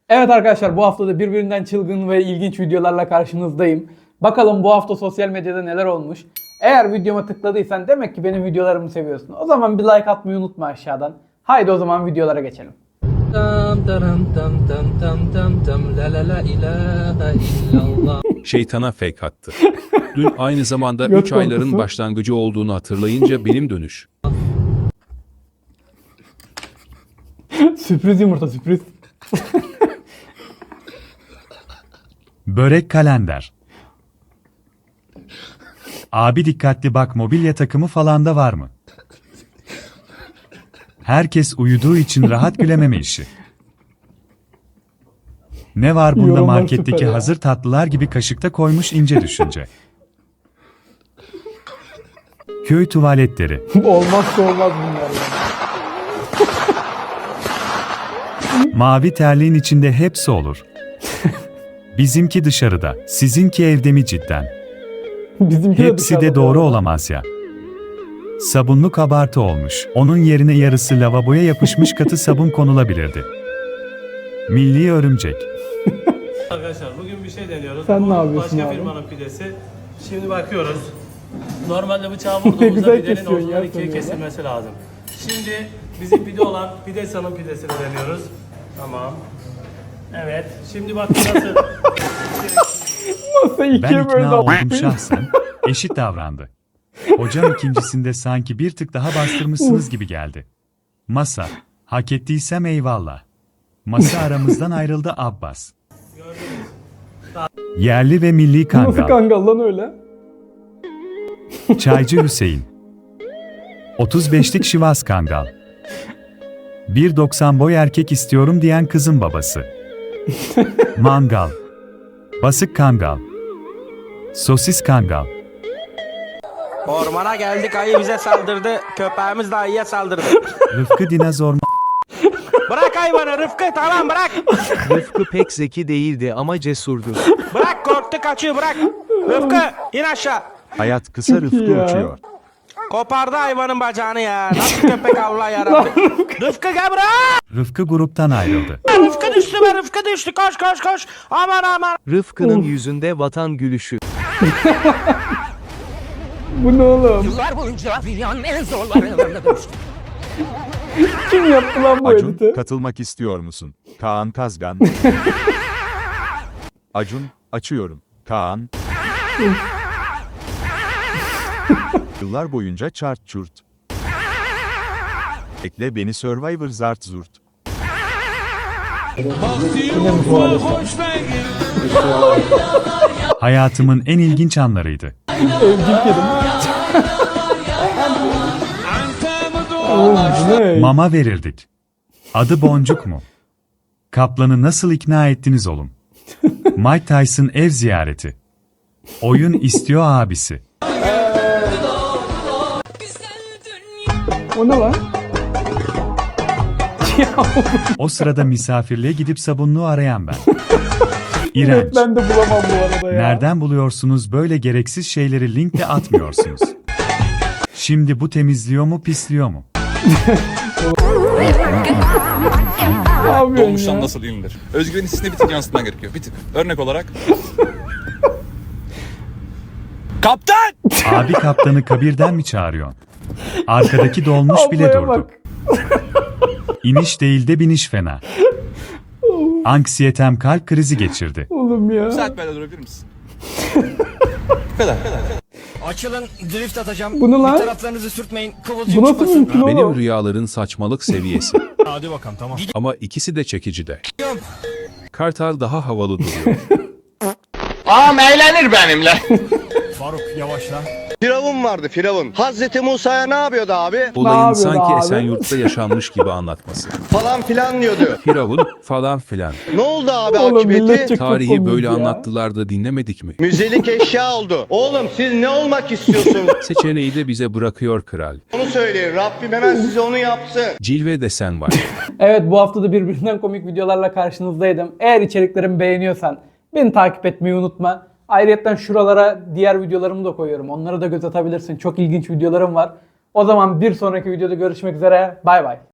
Evet arkadaşlar, bu hafta da birbirinden çılgın ve ilginç videolarla karşınızdayım. Bakalım bu hafta sosyal medyada neler olmuş. Eğer videoma tıkladıysan demek ki benim videolarımı seviyorsun. O zaman bir like atmayı unutma aşağıdan. Haydi o zaman videolara geçelim. Şeytana fake attı. Dün aynı zamanda Göt 3 ayların korkusu. başlangıcı olduğunu hatırlayınca benim dönüş. Sürpriz yumurta, sürpriz. Börek kalender. Abi dikkatli bak, mobilya takımı falan da var mı? Herkes uyuduğu için rahat gülememe işi. Ne var bunda, Yorumlar marketteki süper ya. hazır tatlılar gibi kaşıkta koymuş ince düşünce. Köy tuvaletleri. Olmazsa olmaz bunlar ya. Mavi terliğin içinde hepsi olur. Bizimki dışarıda, sizinki evde mi cidden? Bizimki Hepsi de dışarıda doğru ya. olamaz ya. Sabunlu kabartı olmuş. Onun yerine yarısı lavaboya yapışmış katı sabun konulabilirdi. Milli örümcek. Arkadaşlar bugün bir şey deniyoruz. Sen Bu ne yapıyorsun başka abi? firmanın pidesi. Şimdi bakıyoruz. Normalde bıçağı Ne vurduğumuzda güzel pidenin kesiyorsun ortadan ya ikiye sen öyle. kesilmesi lazım. Şimdi bizim pide olan Pidesan'ın pidesini deniyoruz. Tamam. Evet. Şimdi bak nasıl. Nasıl Ben ikiye böyle ikna oldum davranıyor? şahsen. Eşit davrandı. Hocam ikincisinde sanki bir tık daha bastırmışsınız gibi geldi. Masa. Hak ettiysem eyvallah. Masa aramızdan ayrıldı Abbas. Yerli ve milli Nasıl kangal. kangal lan öyle? Çaycı Hüseyin. 35'lik Şivas Kangal. 1.90 boy erkek istiyorum diyen kızın babası. Mangal. Basık Kangal. Sosis Kangal. Ormana geldik, ayı bize saldırdı. Köpeğimiz de ayıya saldırdı. Rıfkı Dinozor. Bırak hayvanı Rıfkı, tamam bırak. Rıfkı pek zeki değildi ama cesurdu. Bırak, korktu kaçıyor, bırak. Rıfkı in aşağı. Hayat kısa, Çok iyi Rıfkı ya. uçuyor. Kopardı hayvanın bacağını ya. Nasıl köpek Allah yarabbim. Rıfkı gel buraya. Rıfkı gruptan ayrıldı. Rıfkı düştü be, Rıfkı düştü. Koş koş koş. Aman aman. Rıfkı'nın yüzünde vatan gülüşü. Bu ne oğlum? Yıllar boyunca dünyanın en zorlarına düştü. Kim yaptı lan bu Acun, editi? katılmak istiyor musun? Kaan Kazgan. Acun, açıyorum. Kaan. Yıllar boyunca çart çurt. Ekle beni Survivor zart zurt. Hayatımın en ilginç anlarıydı. Evcil kedim. Oğlum bu ne? Mama verirdik. Adı Boncuk mu? Kaplan'ı nasıl ikna ettiniz oğlum? Mike Tyson ev ziyareti. Oyun istiyor abisi. O ne lan? O sırada misafirliğe gidip sabunluğu arayan ben. İğrenç. Evet, ben de bulamam bu arada ya. Nereden buluyorsunuz böyle gereksiz şeyleri, linkle atmıyorsunuz? Şimdi bu temizliyor mu pisliyor mu? Ne yapıyorsun Dolmuştan ya? nasıl inilir? Özgüven hissini bir tık yansıtman gerekiyor. Bir tık. Örnek olarak. Kaptan! Abi kaptanı kabirden mi çağırıyorsun? Arkadaki dolmuş bile Ablaya durdu. bak. İniş değil de biniş fena. Anksiyetem kalp krizi geçirdi. Oğlum ya. Bir saat böyle durabilir misin? Bu kadar. Açılın, drift atacağım. Bu ne lan? Taraflarınızı sürtmeyin. Kıvılcım Bu nasıl mümkün oğlum? Benim rüyaların saçmalık seviyesi. Hadi bakalım tamam. Ama ikisi de çekici de. Kartal daha havalı duruyor. Ağam eğlenir benimle. Faruk yavaşla. Firavun vardı Firavun. Hazreti Musa'ya ne yapıyordu abi? Olayın yapıyordu sanki abi? Esenyurt'ta yaşanmış gibi anlatması. Falan filan diyordu. Firavun falan filan. Ne oldu abi Oğlum millet akıbeti? çok Tarihi komik böyle ya. anlattılar da dinlemedik mi? Müzelik eşya oldu. Oğlum siz ne olmak istiyorsunuz? Seçeneği de bize bırakıyor kral. Onu söyleyin. Rabbim hemen size onu yapsın. Cilve desen var. Evet, bu hafta da birbirinden komik videolarla karşınızdaydım. Eğer içeriklerimi beğeniyorsan beni takip etmeyi unutma. Ayrıca şuralara diğer videolarımı da koyuyorum. Onlara da göz atabilirsin. Çok ilginç videolarım var. O zaman bir sonraki videoda görüşmek üzere. Bay bay.